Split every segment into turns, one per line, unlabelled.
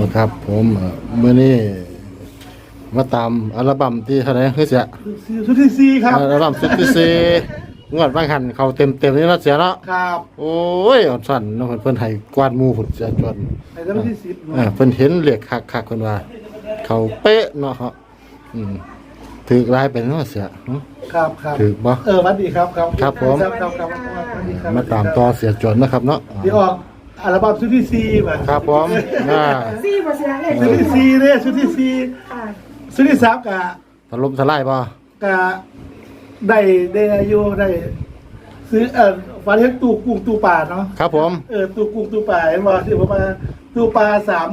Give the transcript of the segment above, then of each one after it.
ครับผมมื้อนี้มาตามอัลบั้มที่เท่าไหร่คือเสีย
ชุดที่สี่ครับ
อัลบั้มชุดที่สี่งวดบางหันเขาเต็มนี่เนาะเสียเนาะ
ครับ
โอ้ยอดสั่นเนาะเพิ่นให้กวาดหมู่พุ่นเสียจวน
ไอ้แล้วที่สิบ
เพิ่นเห็นเลขคักๆเพิ่นว่าเขาเป๊ะเนาะครับถือลายเป็นเนาะเสีย
ครับ
ถือบ่
สวัสดีครับ
ครับผมมาตามต่อเสียจวนนะครับเนาะ
เดี๋ยวออกอัลบั้มชุดที่สี่มา
ครับผม
สี่บ่เสียเลข
ชุดที่สี่เนี่ยชุดที่สี่ชุดที่สามกะ
ถล่มทลายบ่
กะได้อายุได้ซื้อฟันเห็นตู้กุ้งตู้ปลาเนาะ
ครับผม
ตู้กุ้งตู้ปลาเห็นบ่ที่ผมมาตู้ปลา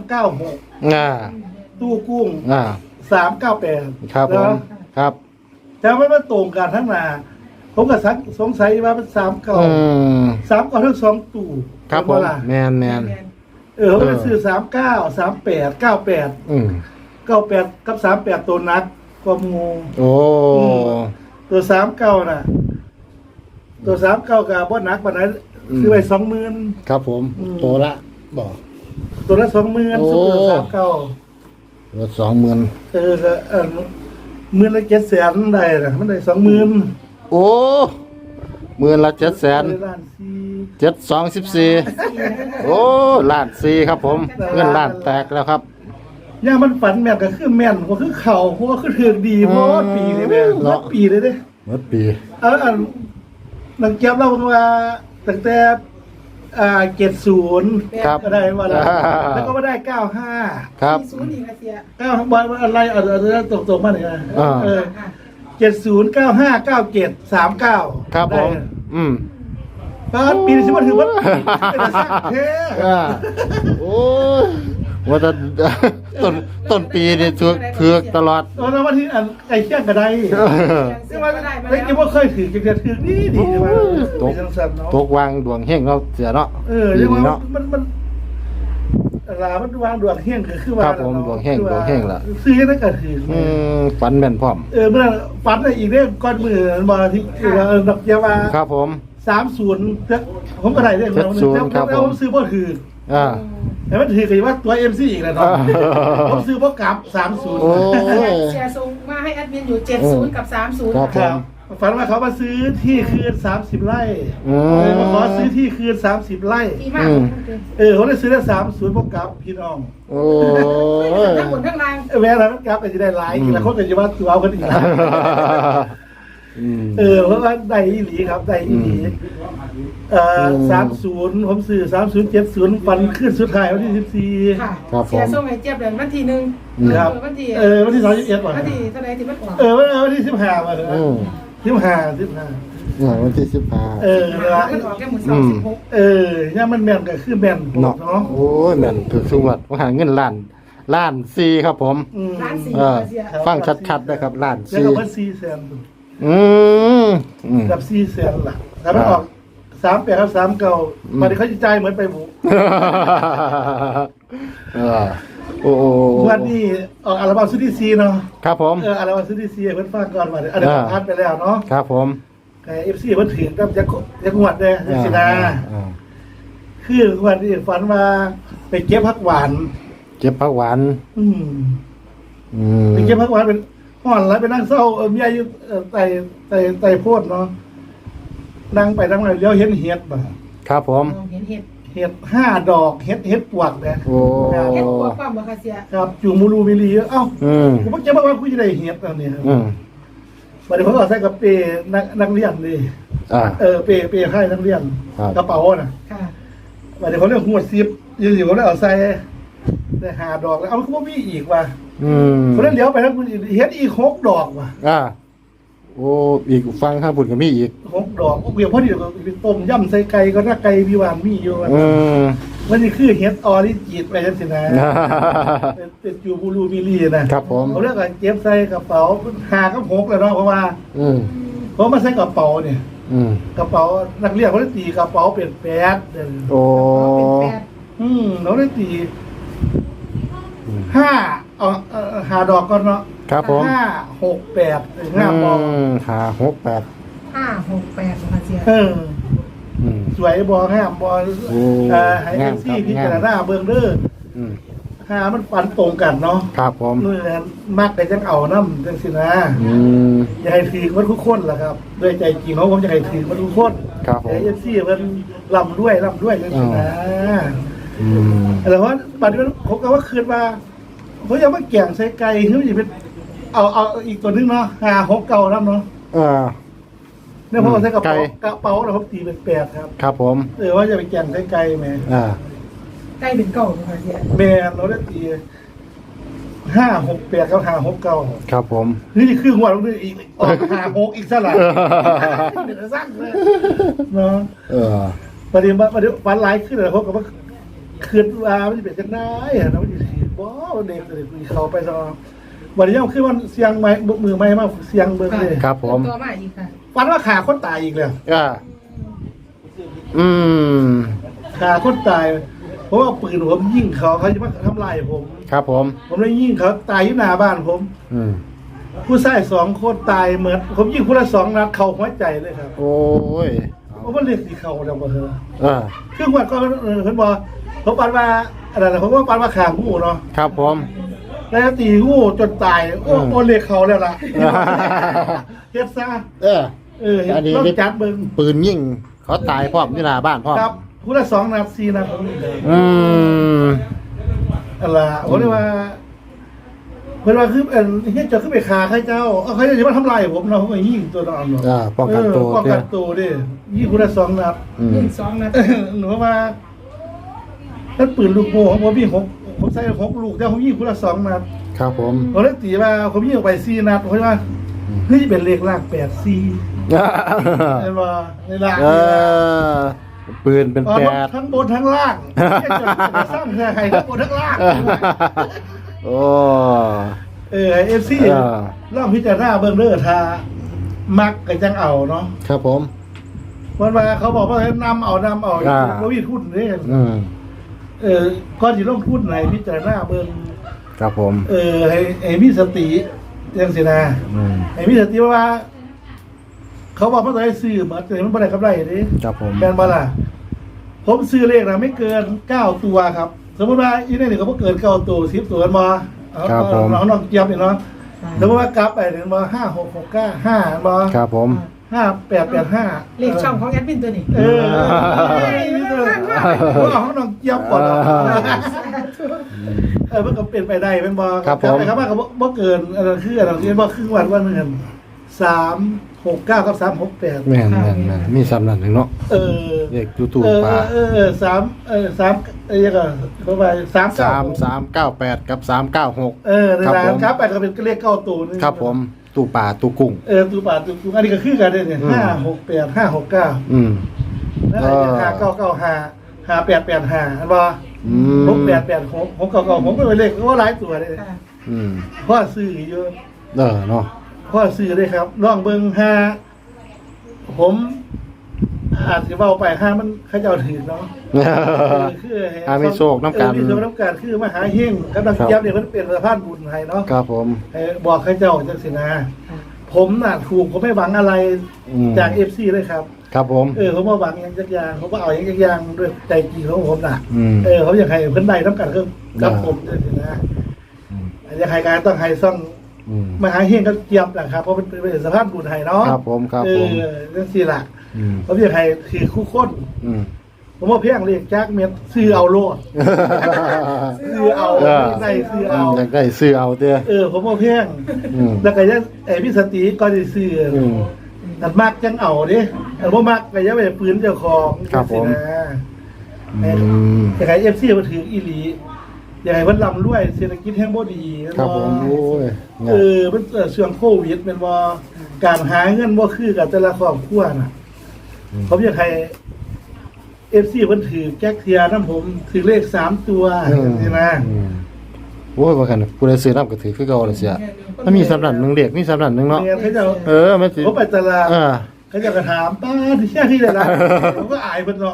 396ตู้กุ้ง398
ครับผมครับ
แต่ว่ามันตรงกันทั้งหน้าผมก็สงสัยว่ามัน39ทั้ง2ตู้
ครับผมแม่น
ผมไปซื้อ39 38 98 98กับ38ตัวนักกว่าหมู่
โอ้
ตัว39น่ะตัว39ก็บ่หนักปานนั้นซื้อไว้20,000
ครับผมตัวละบ่
ตัวละ20,000ซื้อ39
ตัวละ20,000
ก็มื้อละ700,000ได้น่ะมันได้20,000
โอ้มื้อละ700,000 724โอ้ล้าน4ครับผมเงินล้านแตกแล้วครับ
ย่ามันฝันแม่นก็คือแม่นก็คือเข่าเพราะว่าคือถือดีเพราะปีเลยแม่เนาะปีเลยเด้
หมดปี
นักเก็บเราว่าตั้งแต่70
ครับ
ก็ได้ว่าแล้วก็มาได้95
ครับ
40อีกเสีย
9บ่อะไรตกๆมานี่นะ70 95 97 39
ครับผม
ปีนี้สิว่าถือว่าเป็นสักแท้
โอ้ว่าแต่ต้นปีนี่ถือตลอด
แล้ววันที่ไอ้เชี่ยงก็ได้ใช่ไหมแล้วคิดว่าเคยถือจะถือดีใช่ไหม
ตกวางดวงเฮงเราเสียเนาะ
ใช่ไหมมันมันวางดวงเฮงคือว่า
ครับผมดวงเฮงล่ะ
ซื้อได้ก็ถือ
ฝันแม่นพร้อม
เมื่อฝันอีกเรื่องก้อนมือมาที่ดอกเยาว่า
ครับผม
30ผมก็ได้เรื่องแล้วผมซื้อบ่ถือแต่มันถือกันว่าตัว MC อีกแล้วเนาะผมซื้อบ่กลับ30
เสียส่งมาให้แอดมินอยู่70กับ30
ครับ
ฝันว่าเขามาซื้อที่คืน30ไร่มาขอซื้อที่คืน30ไร่เขาได้ซื้อได้30บ่กลับพี่น้อง
โอ้
ทั้งหมดทั้งราง
แม่แล้วมันกลับก็จะได้หลายอีกแล้วคนก็จะว่าตัวเอากันอีกเพราะว่าได้อีหลีครับได้อีหลี30ผมซื้อ3070ฟันขึ้นสุดท้ายวันที่14
ครับผม
เสียส่งให้เจี๊ยบเดือนวันที่1
ครับ
วันที่
วันที่31ก่อน
วันที่เท่าไหร่ที่มันออก
วันที่15มาเลย15
วันที่15
มันออกแค่มื้อ26
เนี่ยมันแม่นก็คือแม่นเนาะ
โอ้ยแม่นถูกสุวัดว่าหาเงินล้าน4ครับผม
ล้าน4เสีย
ฟังชัดๆนะครับล้าน4
แล้วก็มัน400,000กับ400,000ล่ะถ้ามันออก38ครับ39มันเขาจะจ่ายเหมือนไปหมูวันนี้ออกอัลบั้มชุดที่4เนาะ
ครับผม
อัลบั้มชุดที่4เพิ่นฟังก่อนว่าอันนี้ผ่านไปแล้วเนาะ
ครับผม
แต่ FC เพิ่นถือกับจักงวดเด้สินะคือวันนี้ฝันว่าไปเก็บผักหวาน
ไปเก็บผักหวาน
เป็นห่อนแล้วไปนั่งเศร้าเมียอยู่ไต่โพดเนาะนั่งไปนั่งมาเลี้ยวเห็นเห็ดบ่
ครับผม
เห็นเ
ห็ด5 ดอกเห็ดปวกเนี่ย
โอ้
เห็ดปวกความบ่คะเสีย
ครับจูมูรูมิลีผมก็จะบอกว่ากูจะได้เห็ดอันนี้ครับบัดนี้ผมก็ใส่กระเป๋นักเรียนดิเป๋ให้นักเรียนกระเป๋าน่ะบัดนี้เขาเรียกหัวซิปอยู่ๆเขาเลยเอาใส่ได้5 ดอกแล้วเขาบ่มีอีกว่ะเขาเลยเลี้ยวไปแล้วเห็ดอีก6 ดอกว่ะ
โอ้อีกฟังข้างบุญก็มีอีก
6 ดอกเพียงพอดีก็ต้มยำใส่ไก่ก็ถ้าไก่พี่หวานมีอยู่มันนี่คือเฮ็ดออริจินไปจังซี่นะเป็นจูบูรูมิลีนะครับ
ผม
เขาเรียกว่าเก็บใส่กระเป๋า5 กับ 6แล้วเนาะเพราะว่าเพราะมาใส่กระเป๋าเนี่ยกระเป๋านักเรียนเขาได้ตีกระเป๋าเป็น8
โอ้
เขาได้ตี5 ดอกก่อนเนาะ
ครับผม
5 6 8งามบ่
5 6 8
ค่ะเสีย
สวยบ่งามบ่ให้ซี่พิจารณาเบิ่งเด้อหามันปันตรงกันเนาะ
ครับผม
นู่นนั่นมากไปจังเอาน้ำจังสินะ
อืม
อยากให้ถือมันทุกคนแหละครับด้วยใจจริงเขาผมอยากให้ถือมันทุกคน
ครับผม
ไอ้เอฟซีมันลำด้วยจังสินะ
อืม
แต่ว่าปัจจุบันผมก็ว่าคืนมาเขายังมาแก่งใส่ไก่เขาจะเป็นเอาอีกตัวนึงเนาะ6 เก่าน้ำเนาะ เนี่ยผมเอาใส่กระเป๋แล้วผมตีเป็น8ครับ
ครับผม
ว่าจะไปแก่งใส่ไก่แม่
ใกล้เป็นเก่าเลยค่ะเสีย
แม่เราได้ตี5-6-8กับ5-6 เก่า
ครับผม
นี่คือหัวลงด้วยอีกออก5-6อีกซะละเดี๋ยวสร้างเลยเนาะประเดี๋ยวฟันไลฟ์ขึ้นเลยเขาก็ว่าคืนว่ามันจะเป็นจังได้อะนะมันจะขีดบ่เด็กเลยคุยเขาไปซะวันนี้ยังคือมันเสียงไม้มือไม้มาเสียงเบิ่งเลย
ครับผม
ตัวมาอีกค่ะ
ฟันว่าขาคนตายอีกแล้ว
อืม
ขาคนตายเพราะว่าปืนผมยิงเขาจะมาทำลายผม
ครับผม
ผมเลยยิงเขาตายที่หน้าบ้านผม
อืม
ผู้ชาย2 คนตายเหมือนผมยิงคนละ2 นัดเข้าหัวใจเลยครับ
โอ้ย
เพราะว่าเรียกสีเขาแล้วบ่เถอะ
อ่า
ครึ่งวันก็เพิ่นบอกผมปันว่าอะไรนะผมว่าปันว่าขางูเนาะ
ครับผม
แล้วตีงูจนตายโอ้เรียกเขาแล้วล่ะเฮ็ดซะ
อันนี้
ต้องจัดเบิ่ง
ปืนยิงเขาตายพร้อมที่หน้าบ้านพร้อม
ครับผู้ละ2 นัด4 นัดผมนี่เลย
อืม
อะไรผมเรียกว่าเพิ่นว่าคือเฮ็ดจะขึ้นไปฆ่าใครเจ้าเขาจะมาทำลายผมเนาะผมก็ยิงตัวนั้นเนาะ
ป้องกันตัว
ป้องกันตัวดิยิงผู้ละ2 นัด
ยิง2 นัด
หนูว่าถ้าปืนลูกโม่ของผมมีผมใส่6 ลูกแต่ผมยิงผู้ละ2 นัด
ครับผม
ผมเลยตีว่าผมยิงออกไป4 นัดผมว่าเฮ้ยเป็นเลขล่าง84เห็นบ่ในล่าง
ปืนเป็น 8
ทั้งบนทั้งล่างจะสร้างเพื่อใครทั้งบนทั้งล่าง
โอ้
FC ลองพิจารณาเบิ่งเด้อถ้ามักก็จังเอาเนาะ
ครับผม
วันว่าเขาบอกว่าให้นำเอาบ่มีทุนเด้ ก่อนสิลงทุนไหนพิจารณาเบิ่ง
ครับผม
ให้มีสติจังซี่นะให้มีสติว่า เขาบอกว่าต้องให้ซื้อมาแต่มันบ่ได้กำไรเด้
ครับผม
แม่นบ่ล่ะผมซื้อเลขนะไม่เกิน9 ตัวครับ สมมุติว่าอีนี่ก็บ่เกิน9 ตัว10 ตัวมาน้องเจี๊ยบนี่เนาะสมมุติว่ากลับไปเนี่ยบ่5-6-6-9-5บ่
ครับผม
5-8-8-5
เลขช่องของแอดมินตัวนี้
ว่าของน้องเจี๊ยบก่อนมันก็เป็นไปได้เป็นบ่
ครับผม
ครับว่าก็บ่เกินอันนั้นคืออันนั้นบ่ครึ่งวันว่านึง3-6-9 กับ3-6-8
แม่นมีสำนักหนึ่งเนาะเด็กจู่ๆปลา
3ยังก็เข้าไป
3398 กับ 396
ในร้านครับไปก็เป็นเลข9 ตัวนึง
ครับผมตู้ปลาตู้กุ้ง
ตู้ป่าตู้กุ้งอันนี้ก็คือกันเนี่ย5-6-8 5-6-9
อืม
แล้ว5-9-9-5 5-8-8-5อันบ่6-8-8-6 6-9-9ผมก็เป็นเลขว่าหลายตัวเลย
อืม
พ่อซื้อเยอะ
เนาะ
พ่อซื้อเลยครับลองเบิ่งผมอาจจะเบาไปมันเขาจะเอาถือเนาะคือ
มีโชคน้ำกัน
มีโชคน้ำกันคือมหาเฮงกับนักเจี๊ยบเนี่ยมันเป็นสะพานบุญให้เนาะ
ครับผม
บอกเขาเจ้าจังสินะผมน่ะถูกผมไม่หวังอะไรจาก FC เลยครับ
ครับผม
ผมมาหวังอย่างจักอย่างผมก็เอาอย่างจักอย่างด้วยใจจริงของผมน่ะ
เขา
เขาอยากให้เพิ่นได้น้ำกันก็กับผมจังสินะอยากให้การต้องให้ซ่องมหาเฮงก็เจี๊ยบแหละครับเพราะมันเป็นสะพานบุญให้เนาะ
ครับผมครับผม
จังสิล่ะผมอยากให้คือคู่คน ผมว่าเพียงเรียกจักเม็ดซื้อเอาโลดซื้อเอาได้ซื้อเอา
อยากได้ซื้อเอาเด้อ
ผมว่าเพียงแล้วก็ยังพี่สติก็ได้ซื้ออันมากจังเอาเด้อันบ่มากก็อย่าไปปืนเจ้าของจังซี่นะอยากให้ FC มาถืออีหลีอยากให้เพิ่นร่ำรวยเศรษฐกิจแห่งบ่ดี
ครับผมโอ้ย
มันเสื่อมโควิดแม่นบ่การหาเงินบ่คือกับแต่ละครอบครัวน่ะผมอยากให้ FC เพิ่นถือแจ็คเทียน้ำผมถือเลข3 ตัวนี่นะ
โอ้ยว่ากันผู้ใดซื้อน้ำก็ถือคือเก่าเลยเสียมันมีสำนักหนึ่งเด็กมีสำนักหนึ่งเนาะ
เขาจะ
มันสิ
เขาไปตลาดเขาจะกระถามป้าที่แค่ที่ไหนล่ะผมก็อายเพิ่นเนาะ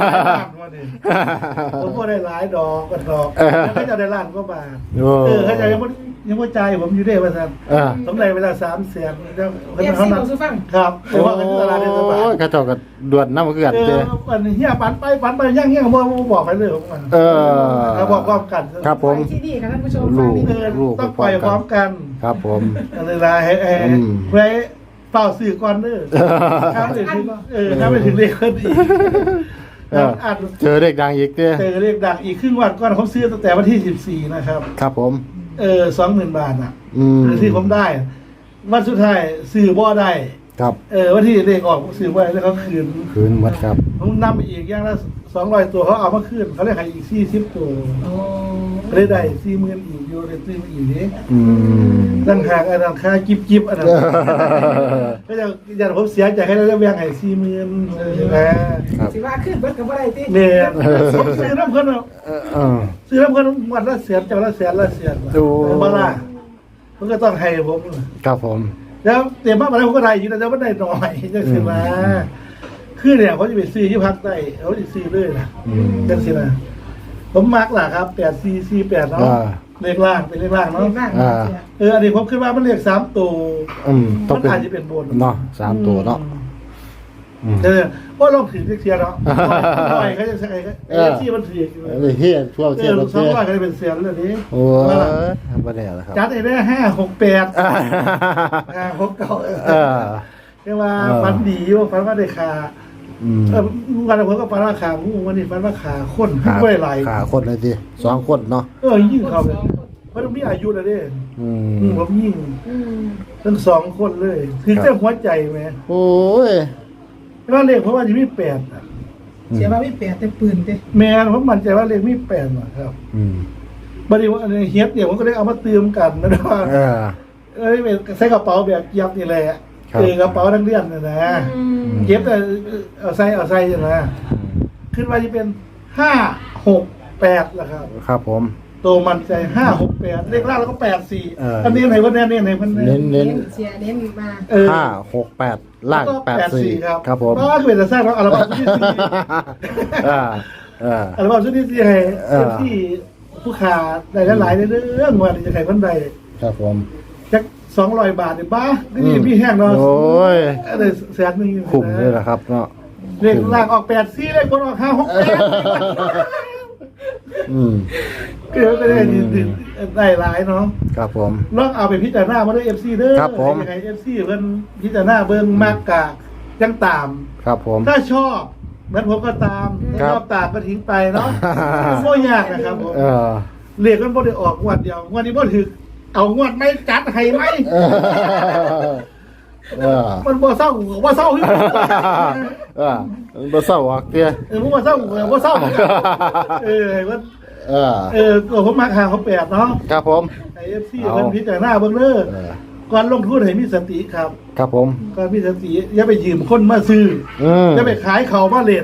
ผมก็ได้หลายดอกกันดอกแล้วเขาจะได้ล้านก็บาทเขาจะยังว่าใจผมอยู่ได้ว่าซั่นสำไรเวลา300,000แล้วเขานัดครับเพราะว่าเขาตลาดเทศบาล
กระจกกับด่วนน้ำเกลือเด้
วันนี้เฮียปันไปย่างบ่บอกไปเลยผมเขาบอกพร้อมกัน
ครับผม
ไปที่นี่ค่ะท่านผู้ชม
ลูก
ต้องปล่อยพร้อมกัน
ครับผม
อะไรล่ะไว้เป่าสื่อก่อนเด้อถ้าไม่ถึงถ้าไม่ถึงเลขคนอีก
เจอเด็กดังอีกเด้
เจอเลขดังอีกครึ่งวันก่อนผมซื้อตั้งแต่วันที่14นะครับ
ครับผม
20,000 บาทอ่ะที่ผมได้วันสุดท้ายซื้อบ่ได้
ครับ
วันที่เลขออกซื้อบ่ได้แล้วเขาคืน
หมดครับ
ผมนำไปอีกอย่างละ200ตัวเขาเอามาคืนเขาเลยขายอีก40ตัวเลยได้40,000อีกอยู่เลยซื้อมาอีกนี้ตั้งหากอันนั้นค่ากิ๊บอันนั้นก็จะผมเสียใจให้เราแบ่งให้40,000
นะสิว่าขึ้นเบิดกับบ่ได้ติ
เนี่ยผมซื้อน้ำเพิ่นซื้อน้ำเพิ่นวันละแสนเจ้าละแสนบ่ล่ะมันก็ต้องให้ผม
ครับผม
แล้วเตรียมมาแล้วผมก็ได้อยู่แต่ว่าได้น้อยจังซี่มาคือเนี่ยเขาจะไปซื้อที่พักได้เขาจะซื้อเลยนะจังซี่นะผมมักล่ะครับ8448เนาะเลขล่างเป็นเลขล่างเนาะอันนี้ผมคิดว่ามันเลข3ตัวมันอาจจะเป็นบน
เนาะ3ตัวเนาะ
ว่าลองถือเทียเนาะหน่อยเขาจะใส่ที่มันถือ
เฮียทั่วเทีย
200ก็จะเป็นเสียนเลยนี้
โอ้บ่ได้แล้วครับ
จัดได้568 569เรียกว่าฟันดีว่าฟันว่าได้ขาวันละเพิ่นก็ฟันว่าขางูวันนี้ฟันว่าขาข้นไม่ได้ไหล
ขาคนเลยดิ2คนเนาะ
ยิ่งเขาเลยเพราะมีอายุแล้วเด้ผมยิ่งทั้ง2คนเลยถึงจะหัวใจไหม
โอ้ย
ว่าเลขเพราะว่าจะมี8
เสียว่ามี8แต่ปืนเด้
แม่ผมมั่นใจว่าเลขมี8น่ะครับบัดนี้ว่าเฮ็ดเนี่ยผมก็ได้เอามาเติมกันนะว่าเป็นใส่กระเป๋าแบบยับนี่แหละกระเป๋านักเรียนน่ะนะเก็บแต่เอาใส่จังนะขึ้นมาจะเป็น568ล่ะครับ
ครับผม
โตมันใจ568เลขล่างแล้วก็84อันนี้ไหนว่าแน่ๆไหนเพิ่น
เน้นเสียเน้นมา
568ล่าง84ครับผม
ก็คือจะสร้างอัลบั้มชุดที่4อัลบั้มชุดที่4ให้ที่ผู้ค้าได้หลายๆเรื่องว่าจะให้เพิ่นได้
ครับผม
จัก200 บาทนี่บ้านี่พี่แห้งเนาะ
โอ้ย
ได้แสนนึง
คุ้มเลยล่ะครับเนาะ
เลขล่างออก84เลขบนออก568ก็ได้ได้หลายเนาะ
ครับผม
ลองเอาไปพิจารณามาด้วย FC เด้อ
ครับผม
ยังไง FC เพิ่นพิจารณาเบิ่งมากกะจังตาม
ครับผม
ถ้าชอบเหมือนผมก็ตามถ้าชอบตามก็ทิ้งไปเนาะบ่ยากนะครับผมเลขมันบ่ได้ออกงวดเดียวงวดนี้บ่ถึกเอางวดไม่จัดให้มั้ยมันบ่เศร้าบ่เศร้า
บ่เศร้าอ่ะเตี้ย
ผมบ่เศร้าบ่เศร้ามันผมมาหาเขา8เนาะ
ครับผม
ไอ้ FC เพิ่นพิจารณาเบิ่งเด้อก่อนลงทุนให้มีสติครับ
ครับผม
ก่อนมีสติอย่าไปยืมคนมาซื้ออย่าไปขายเขามาเล่น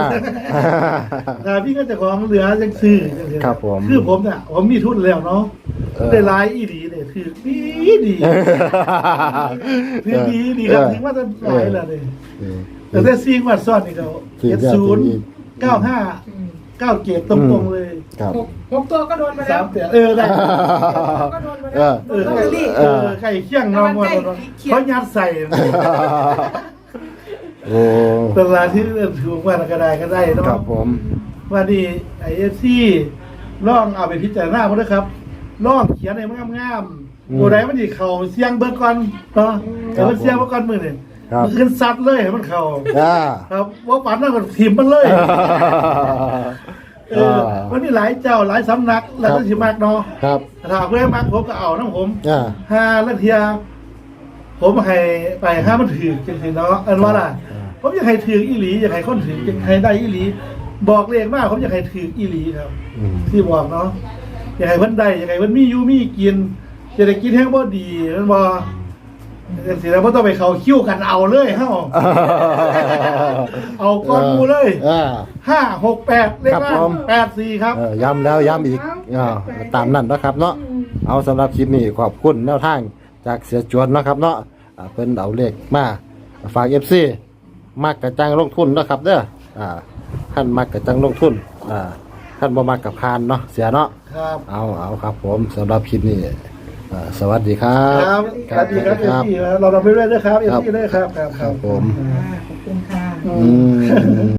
พี่ก็จะของเหลือจังซื้อ
ครับผม
คือผมเนี่ยผมมีทุนแล้วเนาะได้หลายอีหลีเนี่ยคือดีคือดีครับถึงว่าจะหลายแล้วนี่แต่ซีงวัดซ้อนนี่เขา709597ตรงๆเลย
6ตัวก็โดนมาแล้ว
ได้
ก็โดนมาแล้ว
ไก่เคี่ยงน้องเขายัดใส่
โอ้
ตลาดที่ถูกว่าก็ได้เนาะ
ครับผม
ว่าดีIFC ลองเอาไปพิจารณาด้วยครับลองเขียนให้มันงามๆตัวใดมันสิเข้าเสียงเบิ่งก่อนเนาะแต่ว่าเสียงเบิ่งก่อนมื้อนี่มันขึ้นซัดเลยให้มันเข้าครับว่าปันนั่นก็ทีมมันเลยวันนี้หลายเจ้าหลายสำนักแล้วก็สิมากเนาะ
ครับ
ถ้าเพื่อนมากผมก็เอานะผม5นาทีผมให้ไป5มันถือจังซี่เนาะอันว่าล่ะผมอยากให้ถืออีหลีอยากให้คนถือให้ได้อีหลีบอกเลขมากผมอยากให้ถืออีหลีครับที่บอกเนาะอยากให้เพิ่นได้อยากให้เพิ่นมีอยู่มีกินจะได้กินแห้งบ่ดีมันบ่จังซี่แล้วบ่ต้องไปเข้าคิวกันเอาเลยเฮาเอาก้อนมูเลย568เลขล่าง84ครับ
ย้ำแล้วย้ำอีกตามนั้นนะครับเนาะเอาสำหรับคลิปนี้ขอบคุณแนวทางจากเสียจวนนะครับเนาะเพิ่นเอาเลขมาฝาก FC มักกะจังลงทุนเนาะครับเด้อท่านมักกะจังลงทุนท่านบ่มักกะพานเนาะเสียเนาะ
ครับ
เอาครับผมสำหรับคลิปนี้สวัสดีครั
ครับ บสวัสดีครับเอฟซีเราไปเรื่อยๆด้วยครับเอฟซีด้วยครับ
ครับผม
ขอบคุณค่ะ
อืม